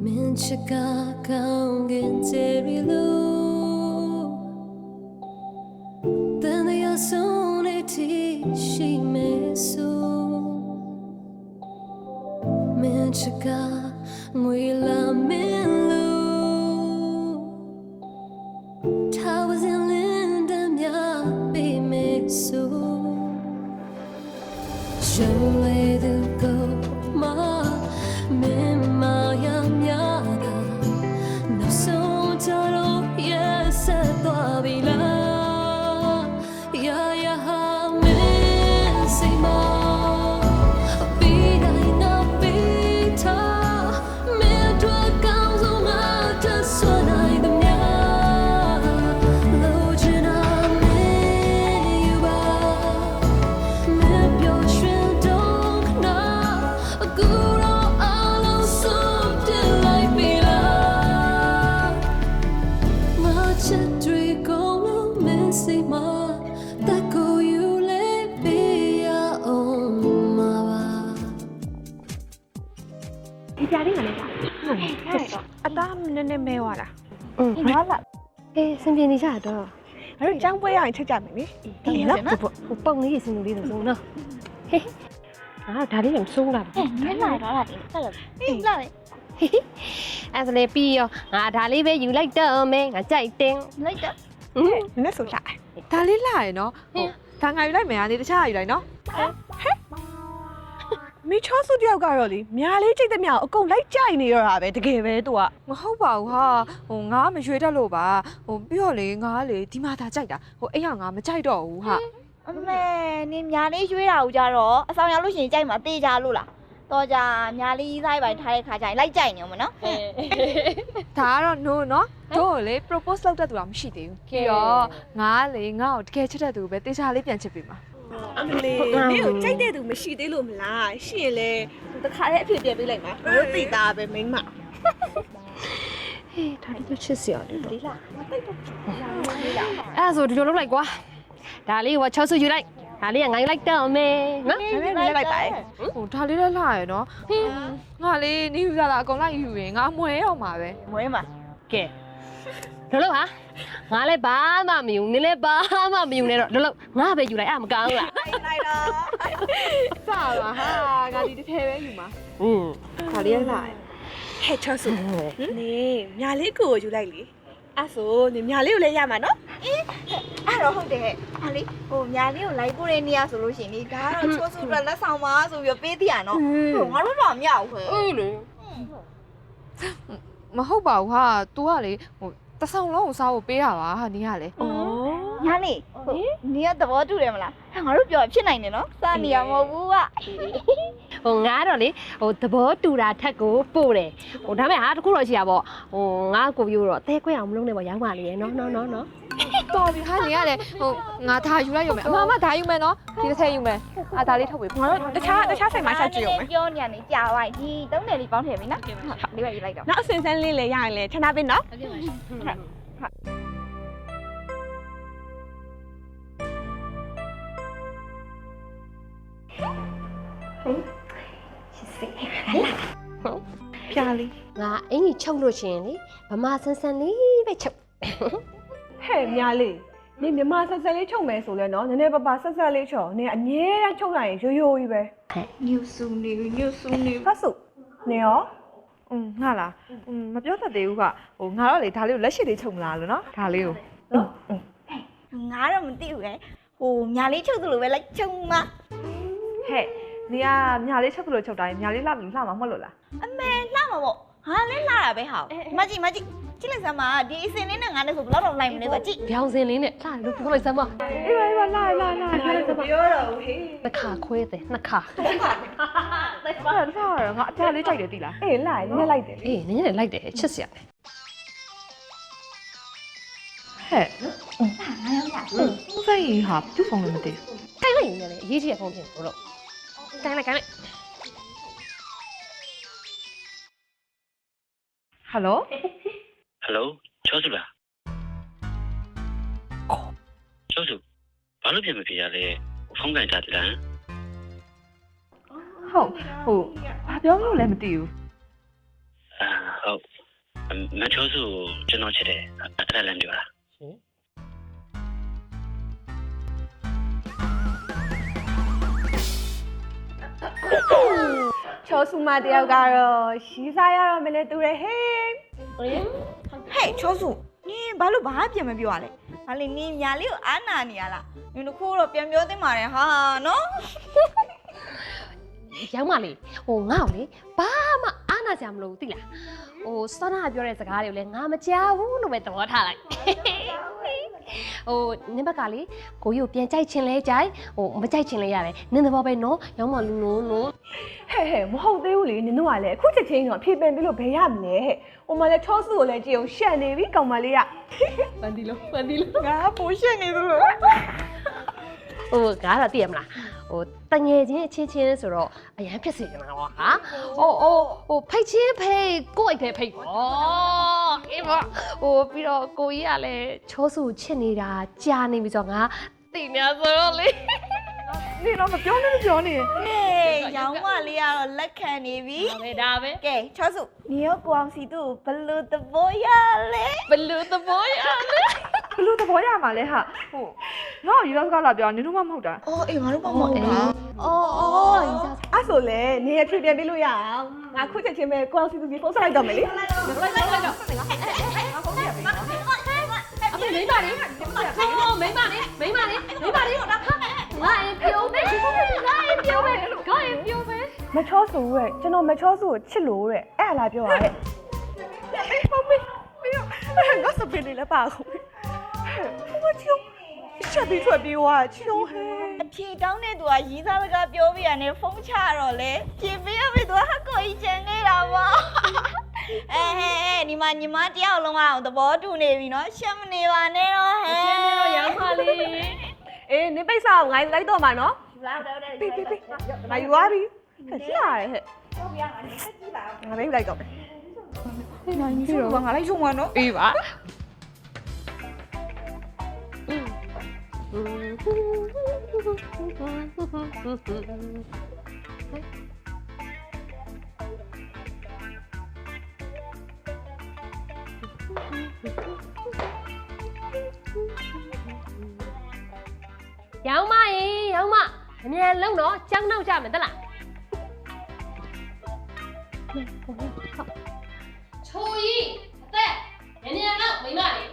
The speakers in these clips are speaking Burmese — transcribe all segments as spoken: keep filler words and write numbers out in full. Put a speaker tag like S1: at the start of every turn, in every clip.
S1: Minchika kaungin terilu Then the asoniti she mesu Minchika ngwila minlu Towers in Lindam ya be mesu Show way to go ma Mimma yamyada No so taro yes atwabila Ya ya ha mesima Vida ina vita Me tua causa mata suona in the mia Logina me yuba Me pio shin dong na Guru
S2: Đi đi mà này à ta nên nên mèo à
S3: Ừ, đó là Ê, sinh viên đi chả đó
S2: rồi trang với ai chơi chả mày đi lắm
S3: Một bông ấy sinh đi được không nào À, thà đi làm sung làm
S4: Thế này đó là sao là đi lại
S3: À, sao lại pi à, thà đi về du lịch đó mẹ, à chạy tên
S4: lấy đó
S2: nó sụt lại ta lấy lại nó ta ngày lấy mẹ anh đi chơi lại nó mi cho số điều cả rồi đi, nhà lấy chơi thì nhà ở công lấy chơi này rồi à, về thì kể về tụi, mà không bảo ha, ngã mà chơi ra lô bà, bây giờ lấy ngã lấy thì mà ta chơi đã, ấy à ngã mà chơi đâu ha,
S4: mẹ, niệm nhà lấy chơi đâu ra rồi, sao nhà lúc chơi mà tê ra luôn là, tôi ra nhà lấy chơi bài thay khá chơi lấy chơi nhiều mà nó,
S2: thà rồi nó nó, tôi lấy propose lâu ra tụi làm gì đấy, kia ngã lấy ngã ở kia chơi ra tụi bé tê ra lấy tiền chơi bị mà.
S5: À mình liền, nếu chạy đây tụi mình xí đấy luôn là xí lên, tụi ta khai hết phiền bị lạnh mà, nó tì ta về mình mà.
S3: Ê, thà đi tôi chia sẻ đi đó À, rồi đi đâu lúc này quá Thà đi vào cho sư du lịch Thà đi là ngay lịch đó mẹ Ngã
S2: lấy lại tại, thà lấy lại lại nó, ngã lấy nếu ra là con lại hiểu về ngã muối không mà về,
S4: muối mà,
S3: kệ Được lúc hả? Ngã lấy ba mà mì dùng, lấy ba mà mì dùng này rồi, được lúc ngã về du lịch à mà cao à
S5: Này đó.
S2: sao mà ha, ngã đi đi theo ấy gì mà,
S3: Ừ,
S2: thà lấy lại,
S5: Hết cho số, nè, nhà lấy của chú đây lý, à số, nè nhà lấy lấy nhà mà nó,
S4: à rồi không để, à lý, ô nhà lấy lấy của đây nia số lúc xin đi, đó rồi cho số ra là sao mà số việc biết thì à nó, ngã lúc nào nhau hả?
S3: Ừ,
S2: mà không bảo ha, tôi à lấy, ta sao nó sao bé hả bà, đi hả lấy,
S4: nhà này, nia tập vào chú đây mà là, ngã lúc giờ trên này này nó, sao nia mà vui à?
S3: Ồ ngã rồi đi, ồ tập bó tu ra thắt cổ bù đấy, ồ thằng mẹ hả, cũng rồi chị à bỏ, ồ ngã cổ yêu rồi, té quay ông lúc này bỏ giảng mà liền, nó nó nó nó.
S2: tôi bị hai gì à đấy, ngã thay chú lại dùng mẹ, mà mà thay dùng mẹ nó, thì nó thay dùng mẹ, à thay đi thôi bị, nó nó chá nó chá xây máy sao chịu mẹ,
S4: cho nhà này chào ai thì tấm này đi bảo thể mình đó, đi vậy lại đâu.
S5: nó xuyên xuyên lên lấy nhà lấy, cho nó bên đó.
S2: Piali,
S3: ngã anh ấy trông rồi chuyện đi, bà ma san san đi vậy chậm.
S5: Hey, nhà lấy, nè nè mà sao sao lấy chồng mẹ số lên nó, nè nè bà bà sao sao lấy chồng, nè anh nhớ ra chồng này cho yêu đi về.
S4: Nhiều số nhiều nhiều số nhiều.
S5: Phát số, nè ó.
S2: ừ, ngã là, ừ, mà biết thật điều cả, ồ ngã đó lấy thà liu lấy gì để chồng là rồi nó, thà liu.
S4: Ngã ra mình tiêu cái, ồ nhà lấy chồng từ về lấy chồng mà.
S2: Hey, nè nhà lấy chồng từ chồng này, nhà lấy làm làm mà không được là.
S4: Mẹ làm mà bộ, hả lấy la là bé hảo. Mà chị mà chị, chị là sao mà đi xin đến ngã này cũng lót đầu này mà chị.
S3: Béo dên lên này, lại nó không phải sao mà.
S2: Ê, ê, lại lại lại,
S3: nó khá khuê thế, nó khá.
S2: sao sao rồi, ngã cha lấy chạy để tí là. Ê, lại, nè lại để.
S3: Ê, nè này lại để chết xỉa.
S2: Hey, không phải gì hả, chút phòng làm gì.
S3: Cái này này, gì gì không thể đâu. Cái này cái này.
S2: Hello?
S6: Hello, Chosu là. Chosu, bao lâu mới về lại? Phong cảnh ra thế nào?
S2: Không, ồ, bà béo lâu lại một tiêu.
S6: À, ဟုတ်မချိုးစုကျွန်တော်ချစ်တယ်အဲ့ဒါလည်းပြောတာ
S5: ချောစုမတယောက်ကတော့ရီးစားရတော့မလဲတူတယ်ဟေး
S4: ဟဲ့ချောစုနင်ဘာလို့ဘာပြန်မပြောရလဲဘာလဲနင်ညာလေးကိုအားနာနေရလားနင်တို့ခိုးတော့ပြန်ပြောသင့်ပါတယ်ဟာနော်
S3: ရောင်းမလေးဟိုငါ့ကိုလေဘာမှအားနာစရာမလိုဘူးသိလားဟိုစောနာပြောတဲ့စကားတွေကိုလည်းငါမကြားဘူးလို့ပဲသဘောထားလိုက်ဟိုနင်းဘက်ကလေကိုကြီးကိုပြန်ကြိုက်ချင်လဲကြိုက်ဟိုမကြိုက်ချင်လဲရတယ်နင်းသဘောပဲနော်ရောင်းမလူနော်နော်
S5: ဟဲ့ဟဲ့မဟုတ်သေးဘူးလေနင်တို့ကလည်းအခုချက်ချင်းတော့ဖြေပင်ပြီးလို့ဘယ်ရမလဲဟဲ့ဟိုမှာလည်းချောစုကိုလည်းကြည့်အောင်ရှက်နေပြီကောင်မလေးက
S3: ပန်ဒီလို့ပန်ဒီလို့
S4: ငါပိုရှက်နေသလို
S3: ဟိုငါတော့သိရမလားဟိုတငယ်ချင်းအချင်းချင်းဆိုတော့အရန်ဖြစ်စေချင်တာကွာဟာဟိုဟိုဟိုဖိတ်ချင်းဖိတ်ကိုယ့်အိတ်ထဲဖိတ်ပေါ့အေးပေါ့ဟိုပြီးတော့ကိုကြီးကလည်းချောစုချစ်နေတာကြာနေပြီဆိုတော့ငါသိနေဆိုတော့လေ
S5: နင်တော့မပြောနဲ့မပြောနဲ့
S4: ဟေးရောင်းမလေးကတော့လက်ခံနေပြီ
S3: ဒါပဲဒါပဲ
S4: ကဲချောစုနင်ရောကိုအောင်စီတို့ဘလို့သဘောရလဲ
S3: ဘလူးသဘောရလဲ
S5: ဘလို့သဘောရမှာလဲဟာဟိုငါ့ကိုရီးစားစကားလာပြောနင်တို့မှမဟုတ်တာ
S4: အော်အေးငါတို့မမဟုတ်တာ
S3: အော်အော်ရီစား
S5: အဲ့ဆိုလေနင်ရဖြေပြန်ပြီးလို့ရအောင်ငါခုချက်ချင်းပဲကိုအောင်စီသူကြီးဖုန်းဆက်လိုက်တော့မယ်လေ
S3: လိုက်လိုက်လိုက်တော့အမေမိမလေးဟိုမိမလေးမိမလေးမိမလေးငါရင်ပြောမယ်ငါရင်ပြောမယ်ငါရင်ပြောမယ်
S5: မချောစုရဲ့ကျွန်တော်မချောစုကိုချစ်လို့တဲ့အဲ့လားပြောရတဲ့ဟုတ်ပြီငါစပင်းလေးလည်းပါခုမချောချက်ပြီးထွက်ပြီးွားချီတော့ဟဲ့
S4: အဖြေတောင်းတဲ့သူကရီးစားစကားပြောပြရတယ်ဖုန်းချတော့လေဖြေပေးရပြီသူကဟကိုကြီးချန်နေတာပေါ့အဲဟဲ့ဒီမှာညီမတယောက်လုံးကတော့သဘောတူနေပြီနော်ရှက်မနေပါနဲ့တော့ဟဲ့
S3: ကျင်းနေတော့ရောင်းပါလေ
S5: အေးနင်ပိတ်စာကိုငါလိုက်တော့မှာနော်
S4: လာတော့တယ်
S5: ပြီပြီပြီငါယူသွားပြီဟဲ့ကြည့်ရတယ်ဟဲ့ဟုတ်ပြငါလည်းဆက်ကြည့်ပါငါလေးလိုက်တော့မယ်
S4: ငါညီစုကငါလိုက်ချုံမှာနော်
S5: အေးပါ
S3: ရောင်းမရေရောင်းမအမြန်လုံးတော့ကြောင်းနောက်ကြမယ်တလားချိုကြီးအသက်နည်းနည်းတော့မိမလေး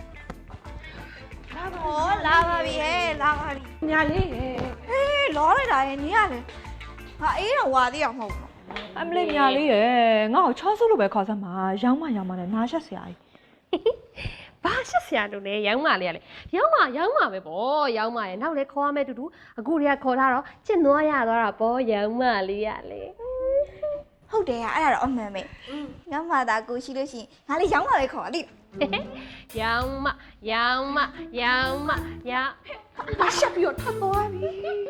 S4: လာတော့လာပါပြီဟဲ့လာပါပြီ
S5: ညာလေးဟဲ့
S4: ဟေးလောလိုက်တာရဲ့နင်ကလေဟာအေးတော့ဝါသေးအောင်မဟုတ်ဘူး
S5: အမလေးညာလေးရယ်ငါ့ကိုချောစုလို့ပဲခေါ်စမ်းပါရောင်းမရောင်းမနဲ့နားရှက်စရာကြီး
S3: ဘာရှက်စရာလို့လဲရောင်းမလေးကလေရောင်းမရောင်းမပဲပေါ့ရောင်းမရဲ့နောက်လဲခေါ်ရမယ်တူတူအခုတည်းကခေါ်ထားတော့ကျင့်သွားရသွားတာပေါ့ရောင်းမလေးကလေ
S4: ဟုတ်တယ်အဲ့ဒါတော့အမှန်ပဲငါမှသာကိုရှိလို့ရှိရင်ငါလေးရောင်းပါပဲခေါ်ပါလိမ့်
S3: ရောင်းမရောင်းမရောင်းမရောင်း
S5: ဘာရှက်ပြီးတော့ထပ်သွားပြီ
S4: ဟဲ့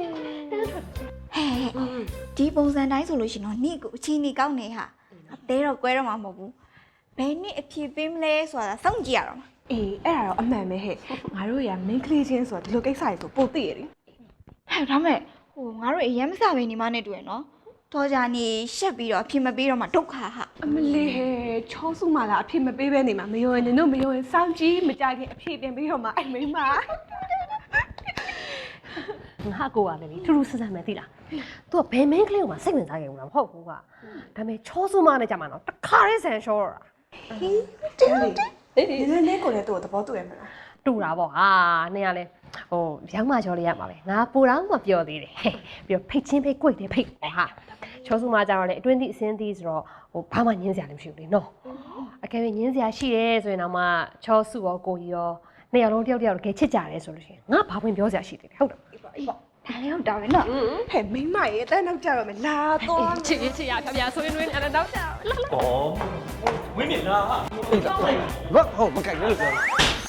S4: ဒီပုံစံတိုင်းဆိုလို့ရှိရင်တော့နေ့ကိုအချင်းနေကောင်းနေဟာအသေးတော့ကွဲတော့မှာမဟုတ်ဘူးဘယ်နေ့အဖြေပေးမလဲဆိုတာစောင့်ကြည့်ရတော့မှာ
S5: အေးအဲ့ဒါတော့အမှန်ပဲဟဲ့ငါတို့ရမင်းကလေးချင်းဆိုတော့ဒီလိုကိစ္စတွေဆိုပိုသိရတယ်
S4: ဟဲ့ဒါမဲ့ဟိုငါတို့အရင်မစပဲနေမနဲ့တွေ့ရနော်တော်ကြနေရှက်ပြီးတော့အဖြေမပေးတော့မှဒုက္ခဟာ
S5: အမလေးဟဲ့ချောစုမှလာအဖြစ်မပေးပဲနေမှာမယုံရင်နင်တို့မယုံရင်စောင့်ကြည့်မကြခင်အဖြစ်ပြင်ပြီးတော့မှအဲ့မိန်းမ
S3: ငါကိုကလည်းထူးထူးဆန်းဆန်းပဲသိလား။ तू ကဘယ်မင်းကလေးကိုမှစိတ်ဝင်စားခဲ့ဘူးလားမဟုတ်ဘူးက။ဒါပေမဲ့ချောစုမနဲ့ကြမှာတော့တခါလေးဆန်ရှောတော့တာ
S5: တင်းတင်းဒီနေ့နေ့ကိုလည်းသူ့ကိုသဘောတူရမလား
S3: ။တူတာပေါ့ဟာ။နင်ကလည်းဟိုရောင်းမချောလေးရမှာပဲ။ငါပူတောင်းမပြောသေးတယ်။ပြီးတော့ဖိတ်ချင်းဖိတ်ကြွိတ်တယ်ဖိတ်ပေါ့ဟာ။ချောစုမကြတော့လေအတွင်းသည့်အစင်းသည့်ဆိုတော့ဟိုဘာမှညင်းစရာလည်းမရှိဘူးလေနော်။အကယ်၍ညင်းစရာရှိတယ်ဆိုရင်တော့မှချောစုရောကိုကြီးရောနှစ်ယောက်လုံးတယောက်တယောက်တကယ်ချစ်ကြတယ်ဆိုလို့ရှိရင်ငါဘာဝင်ပြောစရာရှိသေးလဲဟုတ်တယ်
S4: ဒါလည်းဟုတ်တာပဲနော်
S5: ဟဲ့မိန်းမရဲ့အတန်းနောက်ကြတော့မယ်လာတော့
S3: ချစ်ချစ်ရဖြာဖြာဆွေးနွေးအဲ့တော့ကြောက်လာ
S7: 哦，ဝင်းမြင်လားဟာ
S8: ငါဟောမကြိုက်ဘူးလို့ပြော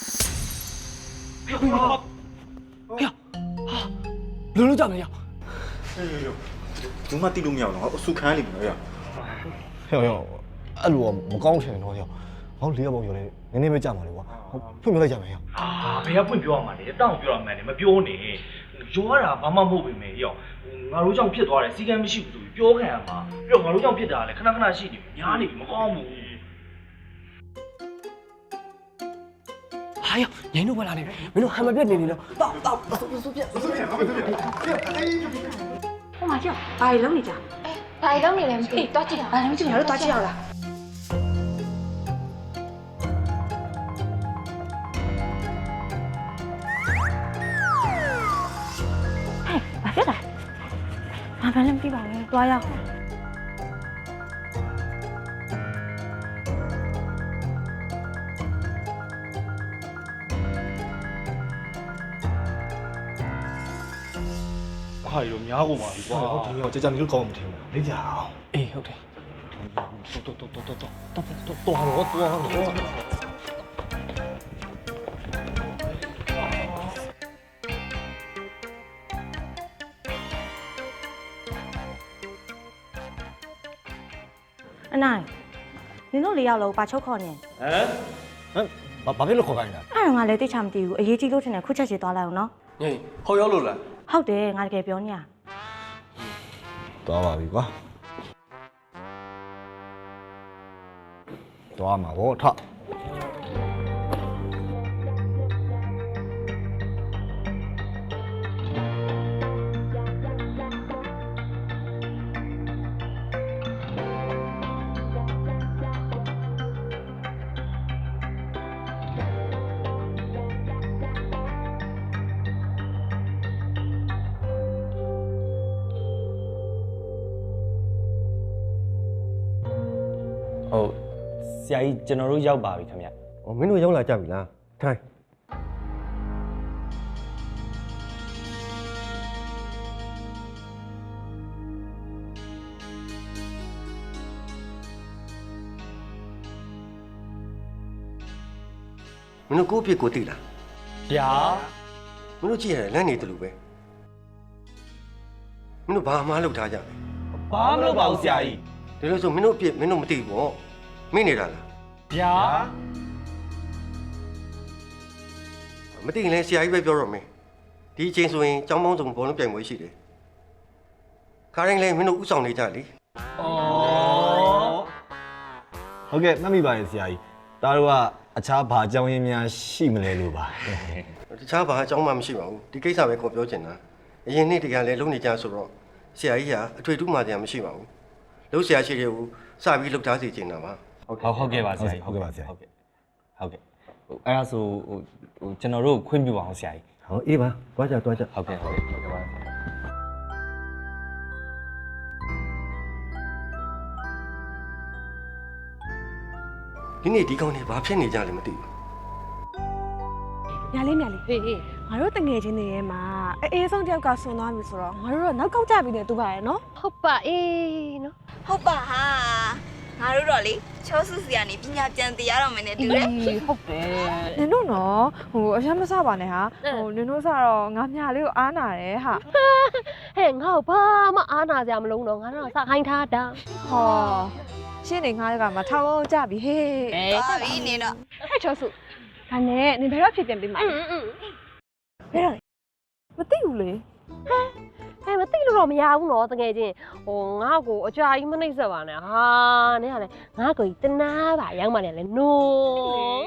S7: လူလူကြောက်နေရ
S8: အေးရောဘူးမတိလို့မရအောင်ငါအဆုခံလိမ့်မယ်ရ
S9: ဟဲ့ဟဲ့အဲ့လိုမကောင်းချင်တော့ရောဟောလေးရပုံရောလေနည်းနည်းပဲကြာပါလေကွာဖွင့်ပြလိုက်ကြမယ်ရော
S7: ဟာဘယ်ကဖွင့်ပြောရမှာလဲတောင်းပြောရမှာလဲမပြောနဲ့ရောရတာဘာမှမဟုတ်ပေမဲ့ရောငါတို့ကြောင့်ဖြစ်သွားတယ်စီကံမရှိဘူးဆိုပြီးပြောခံရမှာပြီးတော့ငါတို့ကြောင့်ဖြစ်တာလေခဏခဏရှိနေပြီညားနေပြီမကောင်းဘူး
S10: ဟာယောညင်းတို့မလာနေမင်းတို့ဟမ်မပြတ်နေနေတော့တောက်တောက်ဆူဆူပြတ်ဆူပြတ်
S5: ဟိုမှာကြောက်ဘာတွေလုံးနေကြဘာတွေလုံးနေလဲမသိတော့ကြည့်ဘာလုံးကြည့်ငါတို့တော့ကြည့်ရအောင်လားဟဲ့ဘာဖြစ်လဲဘာမှလည်းမသိပါဘူးတွားရအောင်
S7: ဟာရောများကုန်ပါပြီကွာ
S9: ဟုတ်တယ်ဟုတ်တယ်ကြာကြာနေလို့ကောင်းမှမထင်ဘူးလေ့ကြအောင်
S10: အေးဟုတ်တယ်
S9: တော်တော်တော်တော်တော်တော်တော်တော်တော့တော်တော့
S5: အနိုင်နင်တို့လေးယောက်လုံးပါချုပ်ခေါ်နေ
S9: ဟမ်ဘာဘာဖြစ်လို့ခေါ်ခိုင်းတာ
S5: အဲ့တော့ငါလည်းသိချမသိဘူးအရေးကြီးလို့ထင်တယ်ခုချက်ချေသွားလိုက်အောင်နော်
S10: ညင်းဟုတ်ရောက်လို့လား
S5: ဟုတ်တယ်ငါတကယ်ပြောနေရ
S9: သွားပါပြီကွာသွားမှာဗောထ
S11: ဟုတ်ဆရာကြီးကျွန်တော်တို့ရောက်ပါပြီခင်ဗျ
S10: ။အော်မင်းတို့ရောက်လာကြပြီလား။ထိုင်မင်းတို့ကိုယ့်အဖြစ်ကိုသိလား
S11: ဗျာ
S10: မင်းတို့ကြည့်ရတယ်လမ်းနေတယ်လို့ပဲမင်းတို့ဘာမှမလုပ်ထားကြလဲ
S11: ဘာမလုပ်ပါဘူးဆရာကြီး
S10: ဒါလို့ဆိုမင်းတို့အဖြစ်မင်းတို့မသိဘူးပေါ့မင်းနေတာလား
S11: ဗျာ
S10: မသိရင်လည်းဆရာကြီးပဲပြောတော့မယ်ဒီအချိန်ဆိုရင်ကျောင်းပေါင်းစုံဘောလုံးပြိုင်ပွဲရှိတယ်ခါတိုင်းလည်းမင်းတို့ဥဆောင်နေကြလေ
S11: ဩ
S9: ဟုတ်ကဲ့မှတ်မိပါတယ်ဆရာကြီးဒါတို့ကအခြားဘာကြောင်းရင်းများရှိမလဲလို့ပါ
S10: တခြားဘာအကြောင်းမှမရှိပါဘူးဒီကိစ္စပဲခေါ်ပြောချင်တာအရင်နေ့တကယ်လည်းလုံနေကြဆိုတော့ဆရာကြီးကအထွေထူးမှတရားမရှိပါဘူးလုံဆရာရှိတဲ့ကိုစပြီးလှုပ်ထားစီချင်တာပါ
S11: ဟုတ်ဟုတ်ကဲ့ပါဆရာကြီး
S9: ဟုတ်ကဲ့ပါဆရာ
S11: ဟုတ်ကဲ့ဟုတ်ကဲ့ဟိုအဲ့ဒါဆိုဟိုဟိုကျွန်တော်တို့ခွင့်ပြုပါအောင်ဆရာကြီး
S10: ဟောအေးပါတွားကြတွားကြ
S11: ဟုတ်ကဲ့ဟုတ်ကဲ့ဟုတ်ကဲ့ပါ
S10: ဒီနေ့ဒီကောင်တွေဘာဖြစ်နေကြလဲမသိဘူး
S2: ညာလေးညာလေး
S3: ဟေးဟေး
S2: ငါတို့တငယ်ချင်းတွေရဲ့မှာအေးဆုံးတယောက်ကဆွန်သွားပြီဆိုတော့ငါတို့တော့နောက်ကောက်ကြပြီနဲ့တူပါရဲ့နော်
S3: ဟုတ်ပါအေးနော်
S4: ဟုတ်ပါဟာငါတို့တော့လေချောစုစီကနေပညာပြန်တည်ရတော့မယ်နဲ့တူတယ်
S3: ဟုတ်တယ်
S2: နင်တို့နော်ဟိုအရှမ်းမစပါနဲ့ဟာဟိုနင်တို့စတော့ငါမြလေးကိုအားနာတယ်ဟာ
S3: ဟဲ့ငါ့ကိုဘာမှအားနာစရာမလုံးတော့ငါတော့စခိုင်းထားတာ
S2: ဟောရှင်းနေငါကမှထောက်အောင်ကြပြီဟေး
S3: အေး
S4: သွားပြီနေတော့
S2: ဟဲ့ချောစုဒါနဲ့နင်ဘယ်တော့ဖြစ်ပြန်ပြီမှာ
S3: อืมอืม
S2: ဘယ်တော့လဲမသိဘူးလေ
S3: ဟဲ့မသိလို့တော့မရဘူးနော်တကယ်ချင်းဟိုငါ့ကိုအကြာကြီးမနှိမ့်ဆက်ပါနဲ့ဟာနင်ကလည်းငါ့ကိုတနာပါရောက်မှလည်းလေနိုး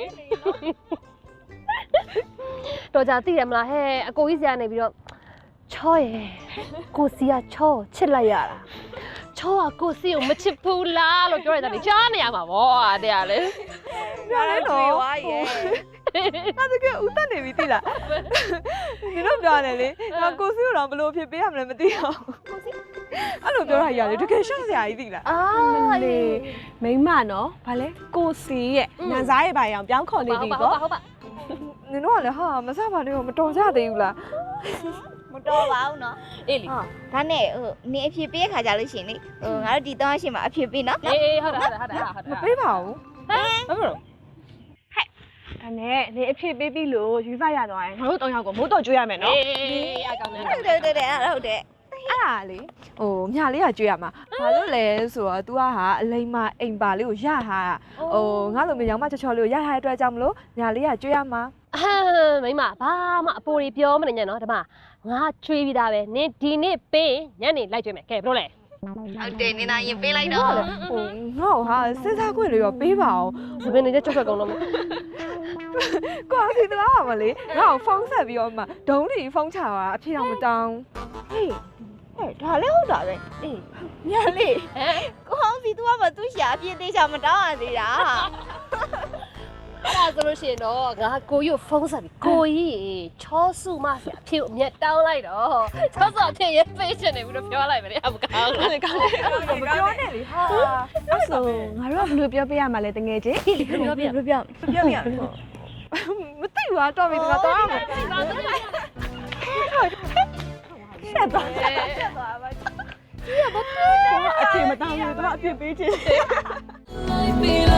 S3: တော့ကြာသိတယ်မလားဟဲ့အကိုကြီးစရာနေပြီးတော့ချောရယ်ကိုစီကချောချစ်လိုက်ရတာချောကကိုစီကိုမချစ်ဘူးလားလို့ပြောရတာလေကြားနေရမှာဗောတဲ့ကလေ
S2: ပြလဲတော့
S4: ဝါရဲ့
S2: ငါတကယ်ဦးတက်နေပြီသိလားနင်တို့ပြောရတယ်လေငါကိုစီကိုတော့ဘလို့ဖြစ်ပေးရမလဲမသိအောင်အဲ့လိုပြောတာကြီးရတယ်တကယ်ရှက်စရာကြီးသိလား
S3: အာ
S2: လေမိမနော်ဗာလဲကိုစီရဲ့နန်စားရဲ့ဘာရောင်ပြောင်းခေါ်နေပြီ
S3: ဟုတ်
S2: ပေါ့
S3: ပါဟုတ်ပါ
S2: နင်တို့ကလည်းဟာမစပါနဲ့တော့မတော်ကြသေးဘူးလား
S4: မတော်ပါဘူးနော်
S3: အေးလေ
S4: ဟာဒါနဲ့ဟိုနေအဖြစ်ပေးခါကြလို့ရှိရင်လေဟိုငါတို့ဒီတောင်းရှိမှာအဖြစ်ပေးနော်
S3: အေးဟုတ်တယ်ဟုတ်တယ်ဟုတ်တယ်
S2: မပေးပါဘူး
S3: ဟမ်ဘာလို့
S2: ဒါနဲ့နေအဖြစ်ပေးပြီလို့ယူဆရတော့ရင်ငါတို့တောင်းရောက်ကိုမိုးတော့ကျွေးရမယ်နော်
S3: အေးအကောင်နဲ့
S4: ဟုတ်တယ်ဟုတ်တယ်ဟုတ်တယ်
S2: အဲ့ဒါလေဟိုမြလေးကကျွေးရမှာဘာလို့လဲဆိုတော့ तू ကဟာအလိမ္မာအိမ်ပါလေးကိုရဟာဟိုငါလိုမျိုးရောင်မချောချောလေးကိုရထားတဲ့အတွက်ကြောင့်မလို့မြလေးကကျွေးရမှာ
S3: ဟမ်မိမဘာမှအပိုတွေပြောမနေနဲ့နော်ဒီမှာငါချွေးပြီးသားပဲနင်ဒီနေ့ပေးညနေလိုက်ကြွေးမယ်ကဲဘယ်လိုလဲ
S4: ဟုတ်တယ်နင်သာရင်ပေးလိုက်တော့
S2: ဟိုငါ့ဟာစဉ်းစားခွင့်လေးရောပေးပါအောင်
S3: စပင်းနေကြကြောက်ကြောက်ကောင်းတော့မယ်
S2: ကိုအောင်စီတကားပါမလေးငါ့ကိုဖုန်းဆက်ပြီးတော့မှဒုံးလီဖုန်းချတာအဖြစ်တော့မတောင်း
S4: ဟေးဟဲ့ဒါလည်းဟုတ်တာပဲအေးညာလေးဟမ်ကိုဟောင်းစီ तू ကမသူ့ရှာအပြည့်သေးချာမတောင်းရသေးတာ
S3: အဲ့ဒါဆိုလို့ရှိရင်တော့ငါကိုကြီးကိုဖုန်းဆက်ပြီးကိုကြီးချောစုမဆရာအဖြစ်အမျက်တောင်းလိုက်တော့ချောစုအဖြစ်ရေးပေးချင်တယ်ပြီးတော့ပြောလိုက်မယ်လေအမကောင်း
S2: လေကောင်းတယ်အဲ့လိုမပြောနဲ့လေဟာအဲ့ဆိုငါတို့ကဘယ်လိုပြောပြရမှာလဲတငယ်ချင်း
S3: ပြောပြ
S2: ပြောပြပြောပြမသိဘူးတော့ပြီတကားတော့မယ်ရှက်သွားရှက်သွားပါဒီကဘာအဖြစ်မတောင်းဘူးတော့အဖြစ်ပေးချင်
S1: Life be